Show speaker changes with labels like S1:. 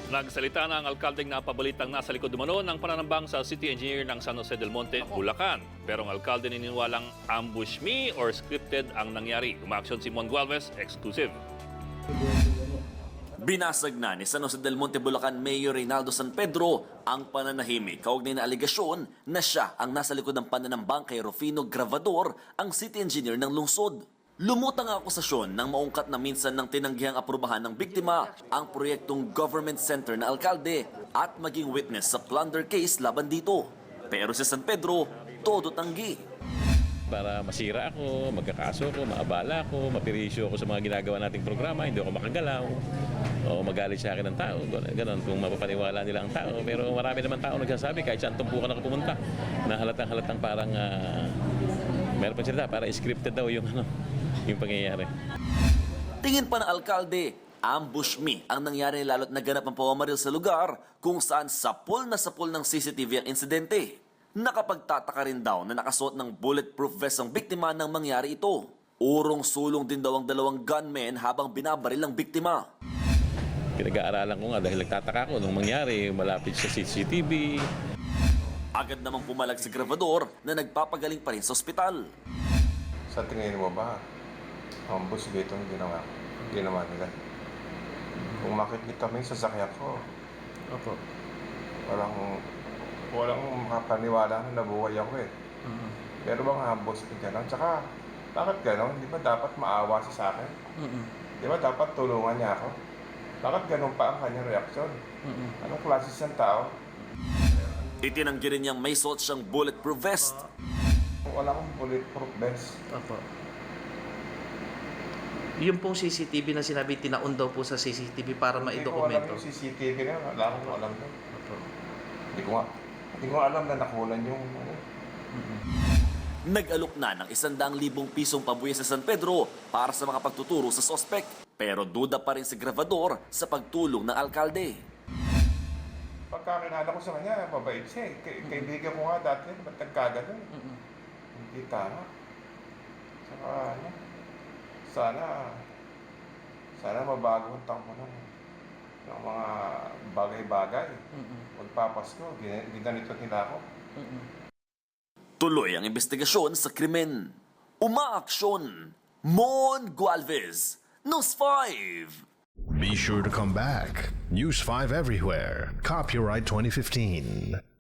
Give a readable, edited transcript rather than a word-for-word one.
S1: Nagsalita na ang alkaldeng napabalitang nasa likod umano ng pananambang sa city engineer ng San Jose del Monte, Bulacan. Pero ang alkalde naniniwalang ambush me or scripted ang nangyari. Umaksyon si Mon Gualvez, exclusive.
S2: Binasag na ni San Jose del Monte, Bulacan Mayor Reynaldo San Pedro ang pananahimik kaugnay na aligasyon na siya ang nasa likod ng pananambang kay Rufino Gravador, ang city engineer ng lungsod. Lumutang ang akusasyon nang maungkat na minsan ng tinanggihang aprubahan ng biktima ang proyektong government center na alkalde at maging witness sa plunder case laban dito. Pero si San Pedro, todo tanggi.
S3: Para masira ako, magkakaso ako, maabala ako, mapirisyo ako sa mga ginagawa nating programa, hindi ako makagalaw, o magalit sa akin ng tao, gano'n, kung mapapaniwala nila ang tao. Pero marami naman tao nagsasabi, kahit saan tumpukan ako pumunta, na halatang parang, meron pa sila, parang scripted daw yung pangyayari.
S2: Tingin pa ng alkalde, ambush me ang nangyari lalo't naganap ang pamamaril sa lugar kung saan sapul ng CCTV ang insidente. Nakapagtataka rin daw na nakasuot ng bulletproof vest ang biktima nang mangyari ito. Urong-sulong din daw ang dalawang gunmen habang binabaril ang biktima.
S3: Pinag-aaralan ko nga dahil nagtataka ko nung mangyari, malapit sa CCTV.
S2: Agad namang pumalag si Gravador na nagpapagaling pa rin sa ospital.
S4: Sa tingin mo ba, ambush ba itong ginawa nila? Kung makikita mo yung sasakyan ko,
S5: Opo.
S4: walang makapaniwala na nabuhay ako eh. Pero bang ambush ka gano'n? Tsaka, bakit gano'n? Di ba dapat maawa siya sa akin? Di ba dapat tulungan niya ako? Bakit gano'n pa ang kanyang reaksyon? Anong klase siyang tao?
S2: Itinanggi rin niyang may suot siyang bulletproof vest.
S4: Wala akong bulletproof vest.
S5: Opo. Yung pong CCTV na sinabi, tinaon daw po sa CCTV para
S4: Hindi ko alam
S5: maidokumento.
S4: yung CCTV na yun. Wala akong alam doon.
S5: Opo.
S4: Hindi ko alam na nakunan yung
S2: Nag-alok na ng 100,000 pisong pabuya sa San Pedro para sa mga pagtuturo sa sospek. Pero duda pa rin si Gravador sa pagtulong ng alkalde.
S4: Pagkakinala ko sa kanya, mabait siya eh. Kaibigan ko nga dati, ba't nagkaganon? Hindi tama. Saka sana mabago ang takbo ng mga bagay-bagay. Magpapasko, ginanito nila ako.
S2: Tuloy ang investigasyon sa krimen. Umaaksyon! Mon Gualvez, News 5!
S6: Be sure to come back. News 5 everywhere. Copyright 2015.